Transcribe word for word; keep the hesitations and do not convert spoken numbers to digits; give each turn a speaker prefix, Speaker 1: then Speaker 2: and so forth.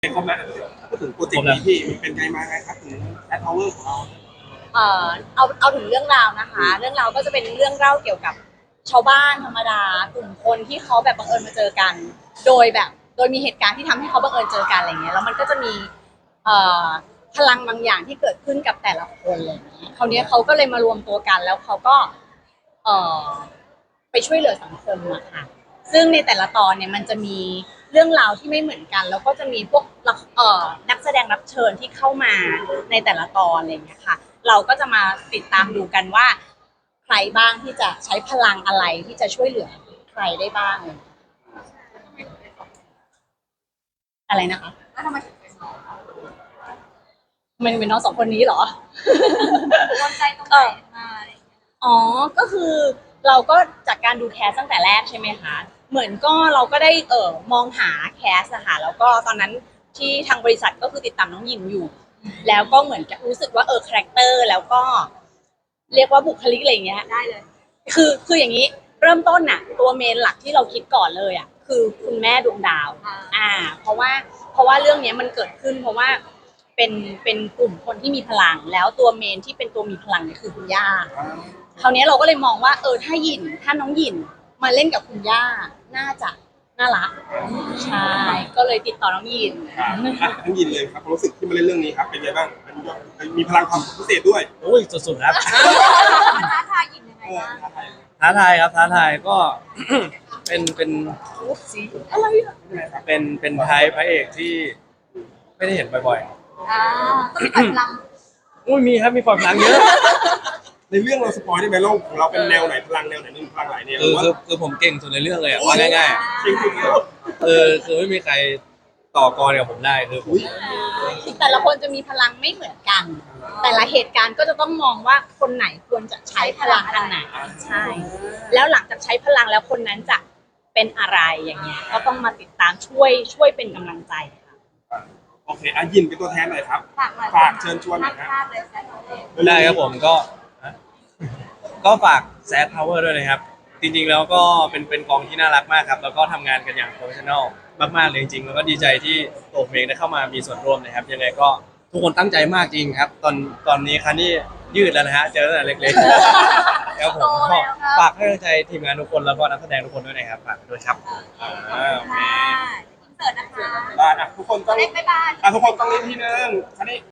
Speaker 1: ครบแล้วพูดถึงโปรเจกต์นี้พี่มันเป็นไงมาไงครับถึงแอดพาวเวอร์ของเรา
Speaker 2: เอ่อเอาเอาถึงเรื่องราวนะคะ เรื่องราวก็จะเป็นเรื่องเล่าเกี่ยวกับชาวบ้านธรรมดากลุ่มคนที่เขาแบบบังเอิญมาเจอกัน โดยแบบโดยมีเหตุการณ์ที่ทำให้เขาบังเอิญเจอกันอะไรเงี้ยแล้วมันก็จะมีเอ่อพลังบางอย่างที่เกิดขึ้นกับแต่ละคนอะไรเงี้ยคราวนี้เขาก็เลยมารวมตัวกันแล้วเขาก็เอ่อไปช่วยเหลือสังคมอะค่ะซึ่งในแต่ละตอนเนี่ยมันจะมีเรื่องราวที่ไม่เหมือนกัน แล้วก็จะมีพวกเอ่อนักแสดงรับเชิญที่เข้ามาในแต่ละตอนอะไรเงี้ยค่ะ เราก็จะมาติดตามดูกันว่าใครบ้างที่จะใช้พลังอะไรที่จะช่วยเหลือใครได้บ้างอะไรนะคะ
Speaker 3: แล้วทำไมถึงเป็นน้อง
Speaker 2: ทำไมถึงเป็นน้องสองคนนี้เหรอ
Speaker 3: โดนใจตรงไหนมาอะไรอย่างเงี้ย
Speaker 2: อ๋อก็คือเราก็จากการดูแคสตั้งแต่แรกใช่ไหมคะเหมือนก็เราก็ได้เออมองหาแคสอะค่ะแล้วก็ตอนนั้นที่ทางบริษัทก็คือติดตามน้องหญิงอยู่แล้วก็เหมือนกับรู้สึกว่าเออคาแรคเตอร์แล้วก็เรียกว่าบุคลิกอะไรอย่างเงี้ย
Speaker 3: ได้เลย
Speaker 2: คือคืออย่างนี้เริ่มต้นน่ะตัวเมนหลักที่เราคิดก่อนเลยอ่ะคือคุณแม่ดวงดาวอ่าเพราะว่าเพราะว่าเรื่องนี้มันเกิดขึ้นเพราะว่าเป็นเป็นกลุ่มคนที่มีพลังแล้วตัวเมนที่เป็นตัวมีพลังเนี่ยคือคุณย่าคราวนี้เราก็เลยมองว่าเออถ้าหยินถ้าน้องหยินมาเล่นกับคุณย่าน่าจะน่ารักใช่ก็เลยติดต่อน้องหยิน
Speaker 1: อ่ะทั้งยินเลยครับความรู้สึกที่มาเล่นเรื่องนี้ครับเป็นไงบ้างมันมีพลังความพิเศษด้วย
Speaker 4: โอ้ยสุดๆครับ
Speaker 3: ท้าทายหญิงยังไง
Speaker 1: เออ
Speaker 3: บ้าง
Speaker 4: ท้าทายครับท้าทายก็ เป็นเป็น
Speaker 2: อะไรอะ
Speaker 4: เป็นเป็นไทยพระเอกที่ไม่ได้เห็นบ่อย
Speaker 3: อ่าต้องมีกำลัง
Speaker 4: ๆอุ้ยมีครับมีความพลังเยอะ
Speaker 1: ในเรื่องเราสปอยได้ไหมโลกของเราเป็นแนวไหนพลังแนวไหนมีพลังหลายแนว
Speaker 4: คือ
Speaker 1: ว่า
Speaker 4: คือคือผมเก่งสุดในเรื่องเลยอ่ะว่าง่าย
Speaker 1: จริงจริงๆแล้ว
Speaker 4: ๆเออคือไม่มีใครต่อกรกับผมได้คือผม
Speaker 2: แต่ละคนจะมีพลังไม่เหมือนกัน แต่ละเหตุการณ์ก็จะต้องมองว่าคนไหนควรจะใช้พลังอันไหนใช่ แล้วหลังจากใช้พลังแล้วคนนั้นจะเป็นอะไรอย่างเงี้ยก็ต้องมาติดตามช่วยช่วยเป็นกำลังใจค่ะ
Speaker 1: โอเคอ่ะยินเป็นตัวแทนหน่อยครับ
Speaker 3: ฝากหน่อย
Speaker 1: ฝากเชิญชวนหน่อย
Speaker 3: ภา
Speaker 1: นะ
Speaker 3: พภาพเลยแซน
Speaker 4: ได้ครับผมก็ฮะก็ฝากแซดพาวเวอร์ด้วยนะครับ จริงๆแล้วก็เป็นเป็นกองที่น่ารักมากครับ แล้วก็ทำงานกันอย่างโปรเฟชชั่นอลมากๆเลยจริงๆแล้วก็ดีใจที่ตัวผมเองได้เข้ามามีส่วนร่วมนะครับ ยังไงก็ทุกคนตั้งใจมากจริงครับ ตอนตอนนี้คันนี้ยืดแล้วนะฮะเจอตั้งแต่เล็กๆครับผมก็ฝากให้กำลังใจทีมงานทุกคนแล้วก็นักแสดงทุกคนด้วยนะครับฝากด้วยครับ
Speaker 1: อ่าโอเค
Speaker 3: ค่ะอินเสิร์ตนะคะ
Speaker 1: ได้อ่ะทุกคนต้อง
Speaker 3: เล็กบ๊ายบาย
Speaker 1: อ่ะทุกคนต้องเล่นที่นึงคันนี้